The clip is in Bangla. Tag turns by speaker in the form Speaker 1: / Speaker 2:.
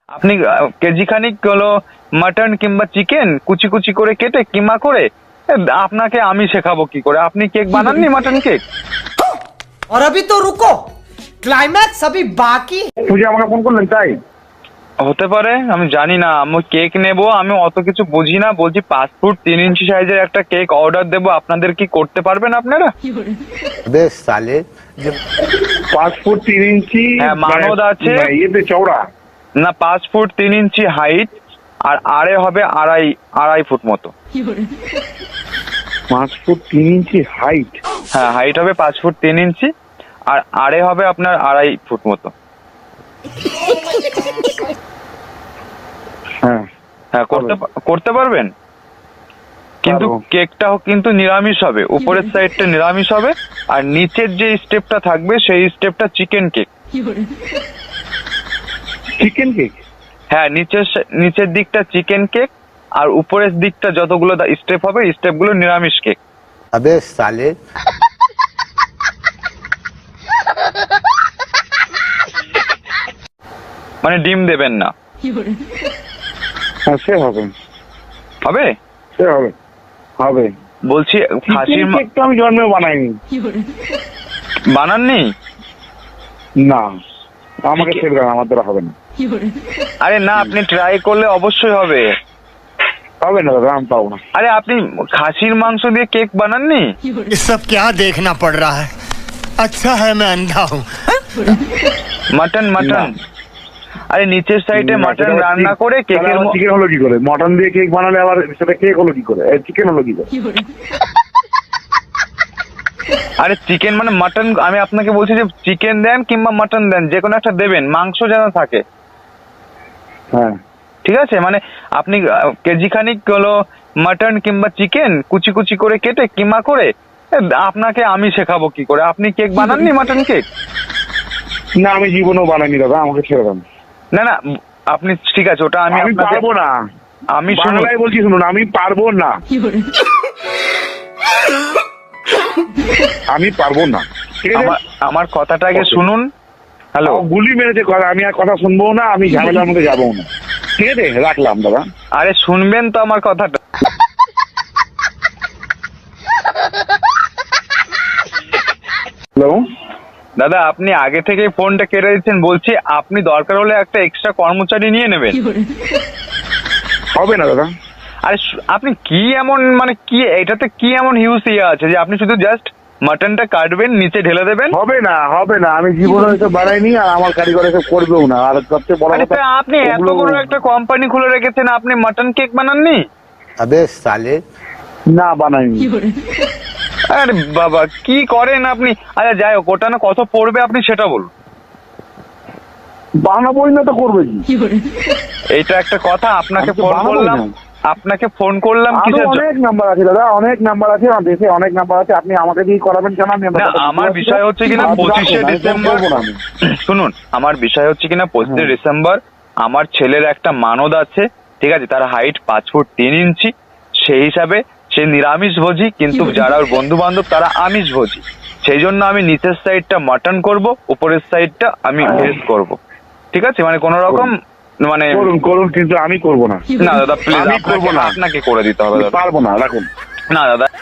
Speaker 1: আপনি কেজি খানিক হলো মাটন কিংবা চিকেন কুচি কুচি করে কেটে কিমা করে আপনাকে আমি শেখাবো কি করে। আপনি কেক বানাননি, মাটন কেক?
Speaker 2: और अभी तो रुको, क्लाइमैक्स अभी बाकी।
Speaker 3: পূজা আমাকে ফোন করলেন তাই?
Speaker 1: হতে পারে, আমি জানি না। আমি কেক নেব, আমি অত কিছু বুঝি না। বলছি 5 ফুট 3 ইঞ্চি সাইজের একটা কেক অর্ডার দেবো, আপনাদের কি করতে পারবেন আপনারা?
Speaker 4: বেশ সালে
Speaker 3: 5 ফুট 3 ইঞ্চি
Speaker 1: হ্যাঁ, মানদ আছে।
Speaker 3: ইয়েতে চওড়া
Speaker 1: না, 5 ফুট 3 ইঞ্চি হাইট আর আড়ে হবে আড়াই ফুট মতো।
Speaker 3: 5 ফুট 3 ইঞ্চি হাইট।
Speaker 1: হ্যাঁ, হাইট হবে 5 ফুট 3 ইঞ্চি আর আড়ে হবে আপনার আড়াই ফুট মতো।
Speaker 3: হ্যাঁ
Speaker 1: হ্যাঁ, করতে পারবেন। কিন্তু
Speaker 3: পারবো।
Speaker 1: কেকটা কিন্তু নিরামিষ হবে, উপরের সাইডটা নিরামিষ হবে আর নিচের যে স্টেপটা থাকবে সেই স্টেপটা চিকেন কেক।
Speaker 3: Chicken cake?
Speaker 1: হ্যাঁ, নিচের দিকটা চিকেন কেক আর উপরের দিকটা যতগুলো স্টেপ হবে স্টেপগুলো নিরামিষ কেক।
Speaker 4: अबे साले
Speaker 1: মানে ডিম দেবেন না।
Speaker 3: হ্যাঁ সে হবে,
Speaker 1: হবে?
Speaker 3: সে হবে, হবে।
Speaker 1: বলছি খাসির
Speaker 3: চিকেন কেক তো আমি জন্মেও বানাইনি।
Speaker 1: বানাননি?
Speaker 3: না, আমাকে ছেড়ে দেন, আমার দ্বারা হবে না।
Speaker 1: আরে না, আপনি ট্রাই করলে অবশ্যই হবে।
Speaker 3: হবে না দাদা, আমি পাবো না।
Speaker 1: আরে আপনি খাসির মাংস দিয়ে কেক বানাননি?
Speaker 5: ये सब क्या देखना पड़ रहा है। अच्छा है मैं अंधा हूँ।
Speaker 1: মাটন
Speaker 3: না।
Speaker 1: আরে নিচের সাইডে মাটন রান্না করে কেকের
Speaker 3: চিকেন হলো কি করে? মটন দিয়ে কেক বানালে আবার সেটা কেক হলো কি করে? চিকেন হলো কি করে?
Speaker 1: আরে চিকেন মানে মাটন। আমি আপনাকে বলছি যে চিকেন দেন কিংবা মাটন দেন, যে কোনো একটা দেবেন, মাংস যেন থাকে।
Speaker 3: হ্যাঁ
Speaker 1: ঠিক আছে, মানে আপনি কেজি খানিক হলো মাটন কিংবা চিকেন কুচি কুচি করে কেটে কিমা করে আপনাকে আমি শেখাবো কি করে। আপনি কেক বানাননি, মাটন কেক?
Speaker 3: না, আমি জীবনেও বানাইনি দাদা, আমাকে ছেড়ে দেন।
Speaker 1: না না, আপনি ঠিক আছে, ওটা
Speaker 3: আমি
Speaker 1: আপনাকে
Speaker 3: পারবো না।
Speaker 1: আমি শুনুন,
Speaker 3: বাংলায় বলছি, শুনুন, আমি পারবো না, আমি পারবো না। ঠিক আছে,
Speaker 1: আমার কথাটা আগে
Speaker 3: Okay.
Speaker 1: শুনুন। হ্যালো,
Speaker 3: গুলি মেরেছে কথা, আমি আর কথা শুনবো না, আমি ঝামেলার মধ্যে যাবো না। ঠিক আছে, রাখলাম দাদা।
Speaker 1: আরে শুনবেন তো আমার কথাটা।
Speaker 3: হ্যালো,
Speaker 1: দাদা, আপনি আগে থেকেই ফোনটা কেটে দিচ্ছেন। বলছি আপনি দরকার হলে একটা এক্সট্রা কর্মচারী নিয়ে নেবেন।
Speaker 3: হবে না দাদা।
Speaker 1: আরে আপনি কি এমন, মানে কি এটাতে কি এমন হিউজ ইয়ে আছে যে আপনি শুধু জাস্ট মাটনটা কাটবেন, নিচে ঢেলে দেবেন?
Speaker 3: হবে না, হবে না, আমি জীবনে এসব বানাইনি, আর আমার কারিগর এসব করবেও না। আর সবচেয়ে বড়
Speaker 1: আরে
Speaker 3: কথা,
Speaker 1: তা আপনি এত
Speaker 3: ওগুলো-
Speaker 1: বড় একটা কোম্পানি খুলে রেখেছেন, আপনি মাটন কেক বানাননি?
Speaker 4: अबे साले
Speaker 3: না বানাইনি।
Speaker 1: আরে বাবা, কি করেন আপনি? আচ্ছা যাই হোক, ওটা না কত পড়বে আপনি সেটা বলুন।
Speaker 3: বানাবোই না তো করবে কি?
Speaker 1: এইটা একটা কথা। আপনাকে
Speaker 3: আমি তো
Speaker 1: ফোন
Speaker 3: বানাবোই
Speaker 1: করলাম,
Speaker 3: না।
Speaker 1: আপনাকে ফোন করলাম
Speaker 3: আরো
Speaker 1: কিসের জন্য?
Speaker 3: অনেক নাম্বার আছে দাদা, অনেক নাম্বার আছে, আমার দেশে অনেক নাম্বার আছে। আপনি আমাকে দিয়ে করাবেন কেন? আমি
Speaker 1: না, আমার বিষয় হচ্ছে কিনা 25শে ডিসেম্বর। শুনুন, আমার বিষয় হচ্ছে কিনা 25শে
Speaker 3: হ্যাঁ।
Speaker 1: ডিসেম্বর আমার ছেলের একটা মানদ আছে। ঠিক আছে, তার হাইট 5 ফুট 3 ইঞ্চি। সেই হিসাবে সে নিরামিষ ভোজি, কিন্তু যারা ওর বন্ধু বান্ধব তারা আমিষ ভোজি। সেই জন্য আমি নিচের সাইডটা মাটন করব, উপরের সাইডটা আমি ভেজ করব। ঠিক আছে, মানে কোন রকম মানে
Speaker 3: করুন করুন, কিন্তু আমি করবো না।
Speaker 1: না দাদা প্লিজ,
Speaker 3: আমি করবো না।
Speaker 1: আপনাকে করে দিতে হবে
Speaker 3: আমি
Speaker 1: দাদা।
Speaker 3: পারবো না, রাখুন।
Speaker 1: না দাদা,